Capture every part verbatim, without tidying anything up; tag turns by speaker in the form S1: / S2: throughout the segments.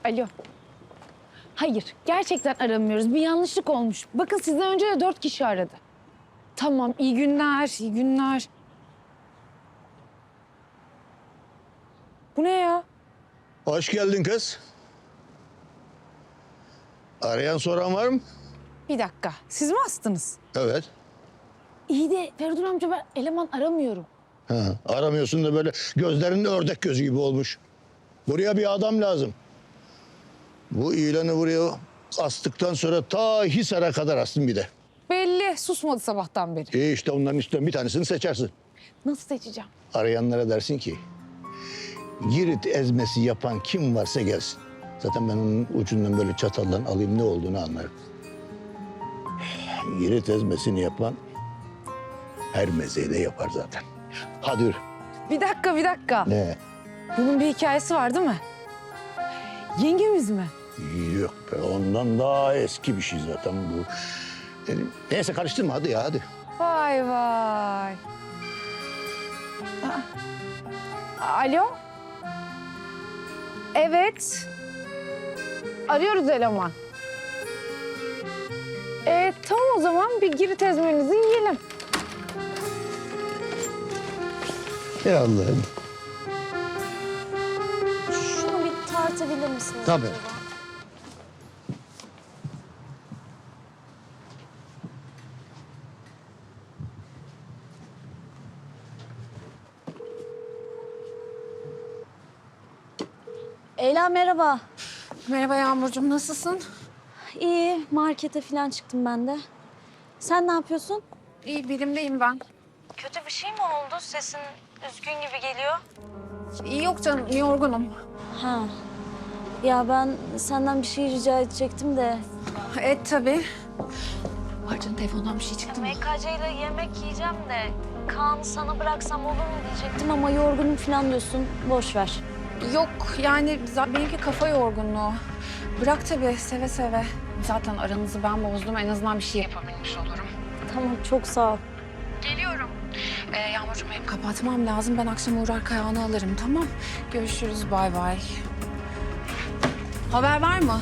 S1: Alo. Hayır, gerçekten aramıyoruz. Bir yanlışlık olmuş. Bakın sizden önce de dört kişi aradı. Tamam, iyi günler, iyi günler. Bu ne ya?
S2: Hoş geldin kız. Arayan soran var mı?
S1: Bir dakika, siz mi astınız?
S2: Evet.
S1: İyi de Feridun amca ben eleman aramıyorum.
S2: Ha, aramıyorsun da böyle gözlerinde ördek gözü gibi olmuş. Buraya bir adam lazım. Bu ilanı buraya astıktan sonra ta Hisar'a kadar astım bir de.
S1: Belli, susmadı sabahtan beri.
S2: İyi işte onların üstten bir tanesini seçersin.
S1: Nasıl seçeceğim?
S2: Arayanlara dersin ki Girit ezmesi yapan kim varsa gelsin. Zaten ben onun ucundan böyle çatallan alayım ne olduğunu anlarım. Girit ezmesini yapan her mezeyi de yapar zaten. Hadi yürü.
S1: Bir dakika, bir dakika.
S2: Ne?
S1: Bunun bir hikayesi var değil mi? Yengemiz mi?
S2: Yok be ondan daha eski bir şey zaten bu. Yani, neyse karıştırma hadi ya hadi.
S1: Vay vay. Aa. Alo? Evet. Arıyoruz eleman. Ee, tamam o zaman bir Girit ezmenizi yiyelim.
S2: Ya Allah'ım.
S3: Şunu bir tartabilir misiniz?
S2: Tabii.
S3: acaba? Leyla merhaba.
S1: Merhaba Yağmurcuğum, nasılsın?
S3: İyi, markete falan çıktım ben de. Sen ne yapıyorsun?
S1: İyi, birimdeyim ben.
S3: Kötü bir şey mi oldu? Sesin üzgün gibi geliyor.
S1: İyi yok canım, yorgunum.
S3: Ha. Ya ben senden bir şey rica edecektim de.
S1: Et tabii. Pardon, telefondan bir şey çıktı mı?
S3: M K C ile yemek yiyeceğim de Kaan'ı sana bıraksam olur mu diyecektim ama yorgunum falan diyorsun. Boş ver.
S1: Yok, yani za- benimki kafa yorgunluğu. Bırak tabii, seve seve. Zaten aranızı ben bozdum, en azından bir şey yapabilmiş olurum.
S3: Tamam, çok sağ ol.
S1: Geliyorum. Ee, Yağmurcuğum benim kapatmam lazım. Ben akşam uğrar Kayahan'ı alırım, tamam? Görüşürüz, bay bay. Haber var mı?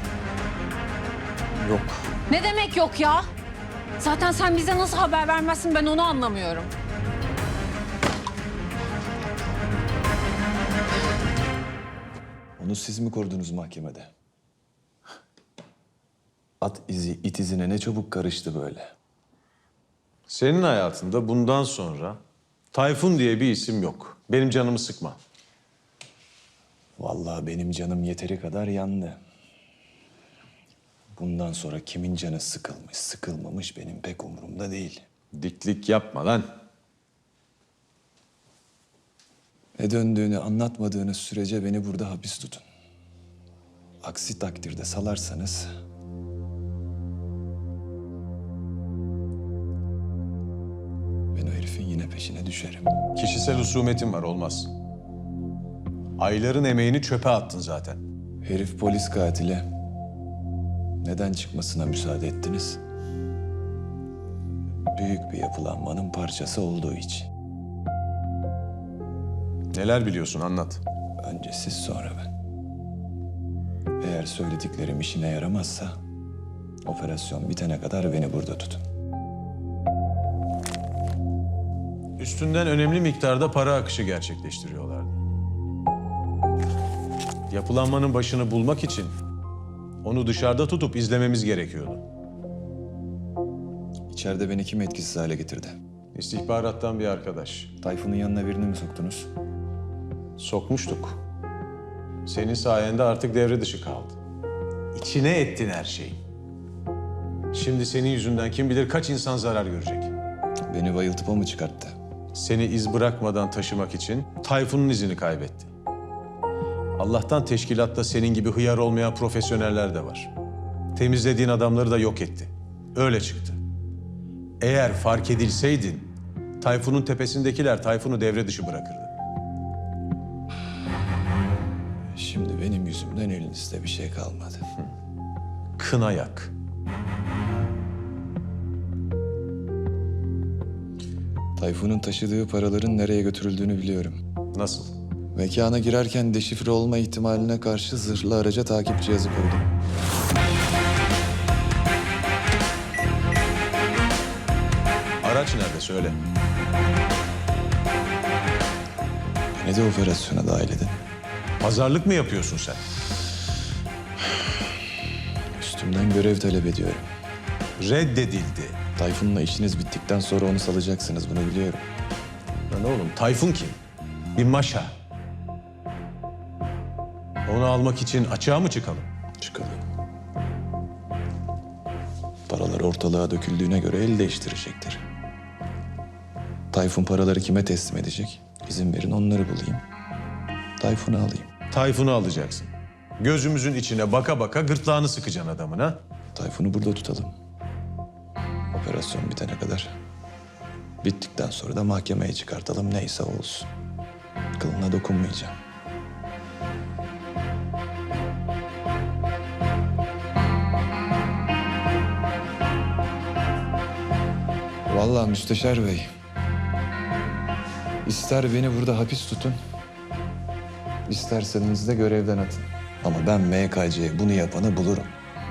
S4: Yok.
S1: Ne demek yok ya? Zaten sen bize nasıl haber vermezsin ben onu anlamıyorum.
S4: Onu siz mi korudunuz mahkemede? At izi it izine ne çabuk karıştı böyle.
S5: Senin hayatında bundan sonra Tayfun diye bir isim yok. Benim canımı sıkma.
S4: Vallahi benim canım yeteri kadar yandı. Bundan sonra kimin canı sıkılmış, sıkılmamış benim pek umurumda değil.
S5: Diklik yapma lan.
S4: Ne döndüğünü anlatmadığınız sürece beni burada hapis tutun. Aksi takdirde salarsanız... ben o herifin yine peşine düşerim.
S5: Kişisel husumetin var, olmaz. Ayların emeğini çöpe attın zaten.
S4: Herif polis katili. Neden çıkmasına müsaade ettiniz? Büyük bir yapılanmanın parçası olduğu için.
S5: Neler biliyorsun, anlat.
S4: Önce siz sonra ben. Eğer söylediklerim işine yaramazsa... operasyon bitene kadar beni burada tutun.
S5: Üstünden önemli miktarda para akışı gerçekleştiriyorlardı. Yapılanmanın başını bulmak için onu dışarıda tutup izlememiz gerekiyordu.
S4: İçeride beni kim etkisiz hale getirdi?
S5: İstihbarattan bir arkadaş.
S4: Tayfun'un yanına birini mi soktunuz?
S5: Sokmuştuk. Senin sayende artık devre dışı kaldı. İçine ettin her şeyi. Şimdi senin yüzünden kim bilir kaç insan zarar görecek.
S4: Beni bayıltıp o mu çıkarttı?
S5: Seni iz bırakmadan taşımak için Tayfun'un izini kaybetti. Allah'tan teşkilatta senin gibi hıyar olmayan profesyoneller de var. Temizlediğin adamları da yok etti. Öyle çıktı. Eğer fark edilseydin, Tayfun'un tepesindekiler Tayfun'u devre dışı bırakırdı.
S4: Şimdi benim yüzümden elinizde bir şey kalmadı.
S5: Kına yak.
S4: Tayfun'un taşıdığı paraların nereye götürüldüğünü biliyorum.
S5: Nasıl?
S4: Mekana girerken deşifre olma ihtimaline karşı zırhlı araca takip cihazı koydum.
S5: Araç nerede söyle.
S4: Beni de operasyona dahil edin.
S5: Pazarlık mı yapıyorsun sen?
S4: Üstümden görev talep ediyorum.
S5: Reddedildi.
S4: Tayfun'la işiniz bittikten sonra onu salacaksınız, bunu biliyorum.
S5: Lan oğlum Tayfun kim? Bir maşa. Onu almak için açığa mı çıkalım?
S4: Çıkalım. Paralar ortalığa döküldüğüne göre el değiştirecektir. Tayfun paraları kime teslim edecek? İzin verin onları bulayım. Tayfun'u alayım.
S5: Tayfun'u alacaksın. Gözümüzün içine baka baka gırtlağını sıkacaksın adamın ha?
S4: Tayfun'u burada tutalım. Operasyon bitene kadar. Bittikten sonra da mahkemeye çıkartalım, neyse olsun. Kılına dokunmayacağım. Vallahi Müsteşar Bey, ister beni burada hapis tutun, isterseniz de görevden atın. Ama ben M K C'ye bunu yapanı bulurum.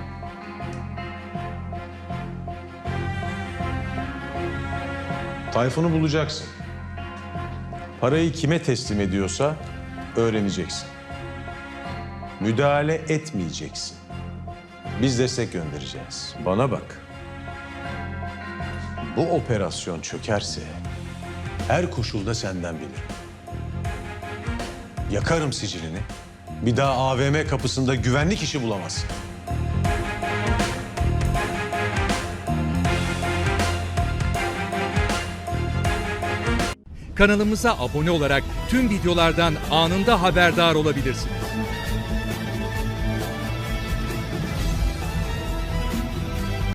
S5: Tayfun'u bulacaksın. Parayı kime teslim ediyorsa öğreneceksin. Müdahale etmeyeceksin. Biz destek göndereceğiz. Bana bak. Bu operasyon çökerse her koşulda senden bilirim. Yakarım sicilini. Bir daha A V M kapısında güvenlik işi bulamazsın.
S6: Kanalımıza abone olarak tüm videolardan anında haberdar olabilirsiniz.